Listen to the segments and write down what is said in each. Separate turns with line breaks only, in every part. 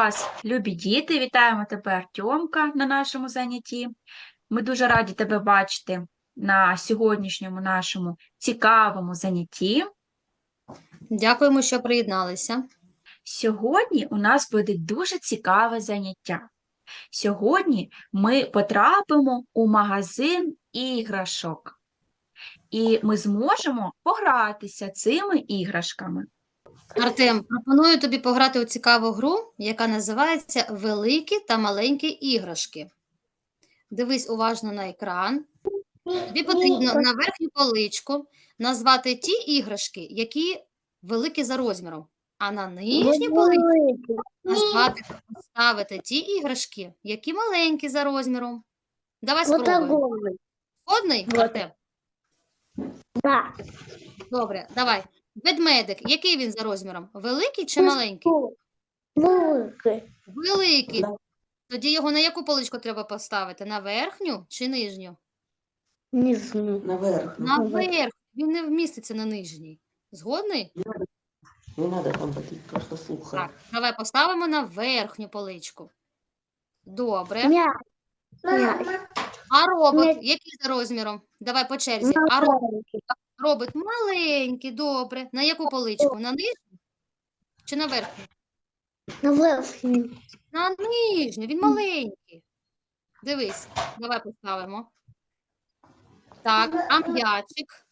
вас, любі діти! Вітаємо тебе, Артемка, на нашому занятті. Ми дуже раді тебе бачити на сьогоднішньому нашому цікавому занятті.
Дякуємо, що приєдналися.
Сьогодні у нас буде дуже цікаве заняття. Сьогодні ми потрапимо у магазин іграшок. І ми зможемо погратися цими іграшками.
Артем, пропоную тобі пограти у цікаву гру, яка називається «Великі та маленькі іграшки». Дивись уважно на екран. Тобі потрібно на верхню поличку назвати ті іграшки, які великі за розміром, а на нижню поличку назвати та поставити ті іграшки, які маленькі за розміром. Давай спробуємо. Згодний, Артем?
Да.
Добре, давай. Ведмедик, який він за розміром? Великий чи маленький?
Великий.
Великий. Тоді його на яку поличку треба поставити? На верхню чи нижню?
Нижню.
Наверх.
На верхню. Він не вміститься на нижній. Згодний?
Не надо там таких, просто сухо.
Так, давай поставимо на верхню поличку. Добре.
М'яч.
А робот,
М'яч.
який за розміром? Давай по черзі. А робот маленький, добре. На яку поличку? На нижню чи на верхню?
На верхню.
На нижню, він маленький. Дивись, давай поставимо. Так, а м'ячик?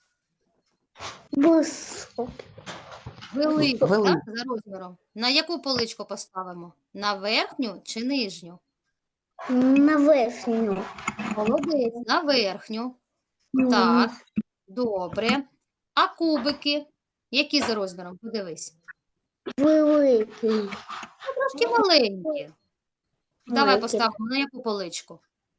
Високий.
Великий,
Великий.
так, за розміром. На яку поличку поставимо? На верхню чи нижню?
На верхню.
Молодець, на верхню. Так, добре. А кубики? Які за розміром? Подивись.
Великий.
Трошки маленькі. Давай
Великий.
поставимо на яку поличку?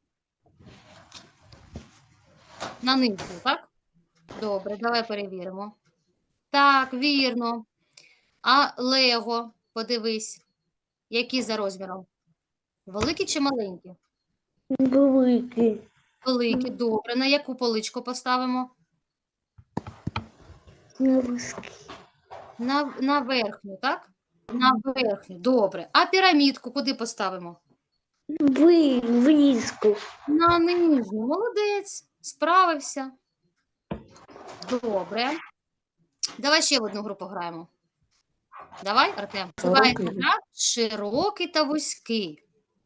На нижню, так? Добре, давай перевіримо. Так, вірно. А Лего, подивись, які за розміром? Великі чи маленькі?
Великий.
Великі, добре. На яку поличку поставимо?
На високий.
На верхню, так? На верхню, добре. А пірамідку куди поставимо?
Близько.
На нижню. Молодець, справився. Добре. Давай ще в одну гру пограємо. Давай, Артем. Називається
Широкий.
гра «Широкий та вузький».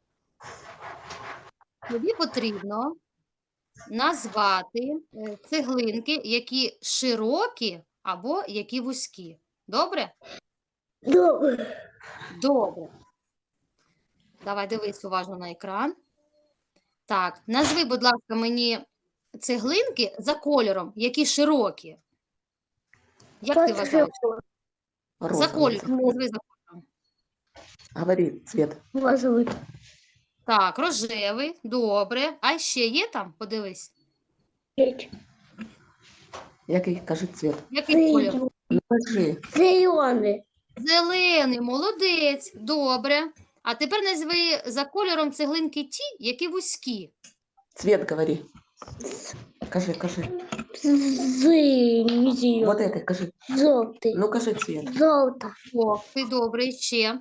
Тобі потрібно назвати цеглинки, які широкі або які вузькі. Добре?
Добре.
Добре. Давай дивись уважно на екран. Так, назви, будь ласка, мені цеглинки за кольором, які широкі. Як ти вважаєш? За
Розовый.
кольором. Назви за кольором.
Говори цвет.
Розовий.
Так, рожевий, добре. А ще є там? Подивись.
Який, кажи цвет.
Який колір?
Ну, кажи.
Зелений.
Зелений, молодець, добре. А тепер назви за кольором цеглинки ті, які вузькі.
Цвет говори. Кажи.
Зелений.
Вот это, кажи.
Жовтий.
Ну, кажи цвет.
Жовта.
О, ти добре, ще.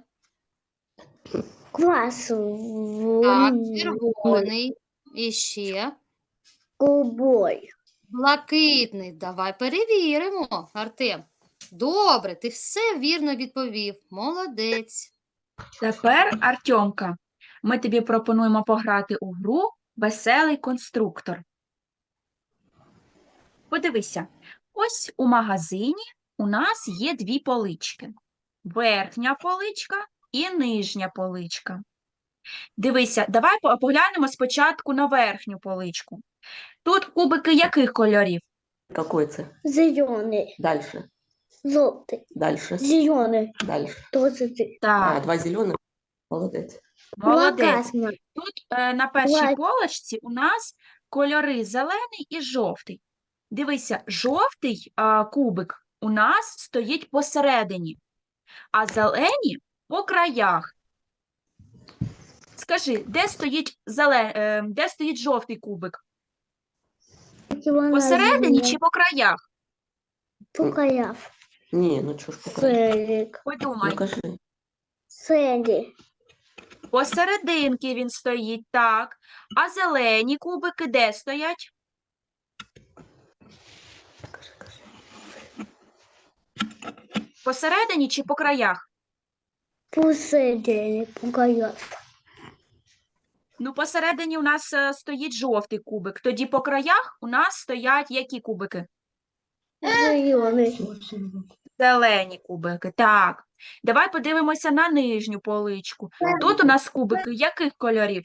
Красивий.
Так, червоний, і ще.
Голубой.
Блакитний. Давай перевіримо, Артем. Добре, ти все вірно відповів. Молодець.
Тепер, Артемка, ми тобі пропонуємо пограти у гру «Веселий конструктор». Подивися, ось у магазині у нас є дві полички. Верхня поличка і нижня поличка. Дивися, давай поглянемо спочатку на верхню поличку. Тут кубики яких кольорів?
Какой цвет?
Зелений.
Дальше.
Жовтий.
Дальше.
Зелений.
Дальше.
Тоже ти.
Так,
Два зеленых. Молодец.
молодець.
Красна.
Тут на першій
Лайк.
полочці у нас кольори зелений і жовтий. Дивися, жовтий кубик у нас стоїть посередині, а зелені по краях. Скажи, де стоїть жовтий кубик? Посередині чи по краях?
Покаяв.
Не, ну чё ж покажи.
Селік.
Подумай.
Ну, кажи.
Селі.
Посерединки він стоїть, так. А зелені кубики де стоять? Посередині чи по краях?
Посередині, по краях.
Ну, посередині у нас стоїть жовтий кубик. Тоді по краях у нас стоять які кубики?
Зелений.
Зелені кубики. Так. Давай подивимося на нижню поличку. Тут у нас кубики яких кольорів?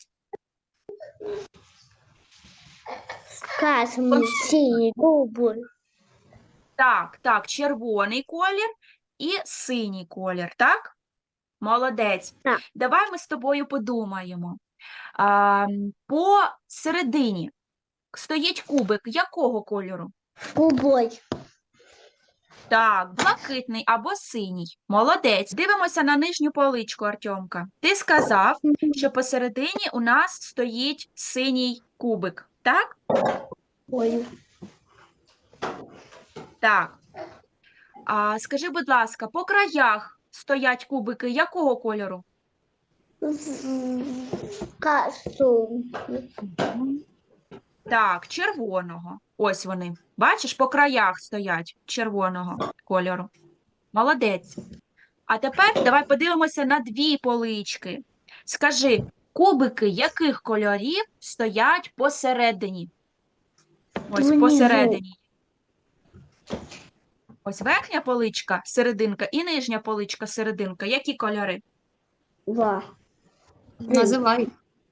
Красний, синій, голубий.
Так, червоний колір і синій колір, так? Молодець.
Так.
Давай ми з тобою подумаємо. По середині стоїть кубик якого кольору?
Голубий.
Так, блакитний або синій. Молодець. Дивимося на нижню поличку, Артемка. Ти сказав, що посередині у нас стоїть синій кубик, так?
Ой.
Так. Скажи, будь ласка, по краях стоять кубики якого кольору?
Красний.
Так, червоного. Ось вони. Бачиш, по краях стоять червоного кольору. Молодець. А тепер давай подивимося на дві полички. Скажи, кубики яких кольорів стоять посередині? Ось
Внизу.
посередині. Ось верхня поличка, серединка, і нижня поличка, серединка. Які кольори?
Два.
Називай.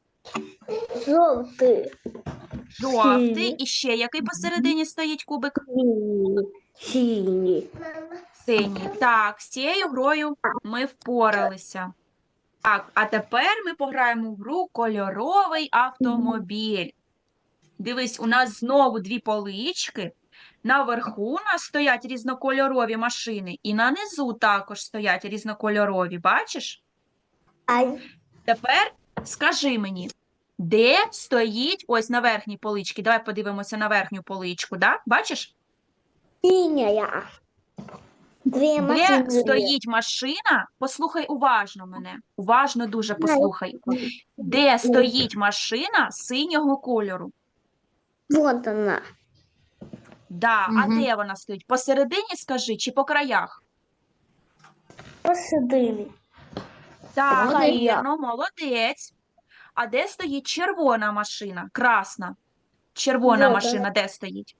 Жовтий.
Жовтий.
Синій.
І ще який посередині стоїть кубик?
Синій. Синій.
Синій. Так, з цією грою ми впоралися. Так, а тепер ми пограємо в гру «Кольоровий автомобіль». Дивись, у нас знову дві полички. Наверху у нас стоять різнокольорові машини, і на низу також стоять різнокольорові. Бачиш?
Ай.
Тепер скажи мені, де стоїть, ось на верхній поличці, давай подивимося на верхню поличку, да? Бачиш?
Синяя. Дві
Де
машини.
стоїть машина, послухай уважно мене, уважно дуже послухай. Де стоїть машина синього кольору?
Вот вона.
Да, а
Мгм.
де вона стоїть? Посередині, скажи, чи по краях?
Посередині.
Так,
Молодець.
вірно, молодець. А де стоїть червона машина? Красна. Червона
Вот
машина де стоїть?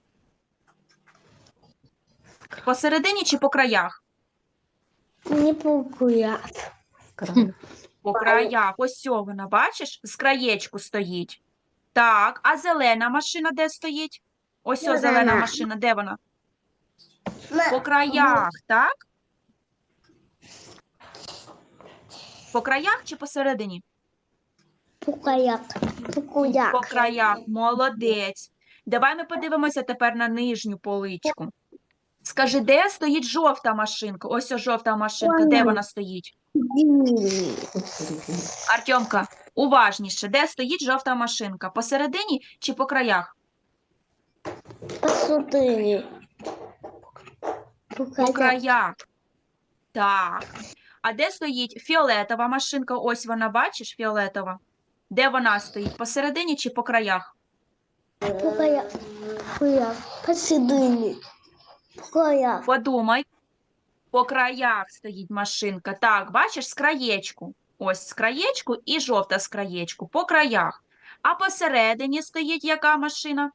Посередині чи по краях?
Не пукуя.
По краях. Ось цього вона, бачиш? З краєчку стоїть. Так, а зелена машина де стоїть? Ось о, зелена
Зелена.
машина, де вона? По краях, так? По краях чи посередині?
Пукаяк. Пукуяк.
По краях. Молодець. Давай ми подивимося тепер на нижню поличку. Скажи, де стоїть жовта машинка? Ось о, жовта машинка. Де вона стоїть? Артемка, уважніше. Де стоїть жовта машинка? Посередині чи по краях?
Посередині.
По
Пукаяк.
краях. Так. А де стоїть фіолетова машинка? Ось вона, бачиш, фіолетова. Де вона стоїть? Посередині чи по краях?
Пукаяк. Пукаяк. Посередині. Пукаяк.
Подумай. По краях стоїть машинка. Так, бачиш, з краєчку. Ось з краєчку і жовта з краєчку. По краях. А посередині стоїть яка машина?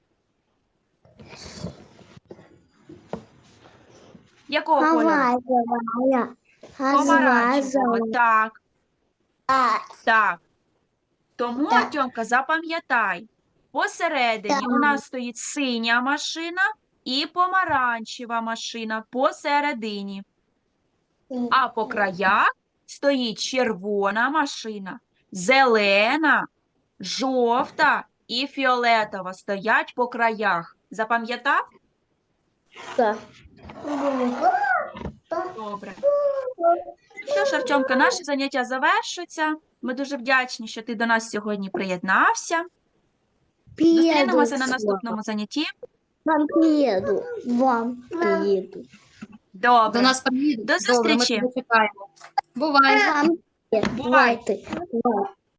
Якого кольору?
Оранжевая.
Помаранчевого. Так,
А,
так. Тому,
Так.
Артемка, запам'ятай. Посередині
Так.
у нас стоїть синя машина і помаранчева машина посередині. А по краях стоїть червона машина, зелена, жовта і фіолетова стоять по краях. Запам'ятав?
так.
Добре. Що ж, Артемка, наше заняття завершується. Ми дуже вдячні, що ти до нас сьогодні приєднався. Зустрінемося на наступному занятті.
Вам приеду. Вам приеду.
До
Добре.
нас приїдуть.
До
Добре, ми
зустрічі.
тебе чекаємо. Бувай.
Вам
Бувай.
приеду.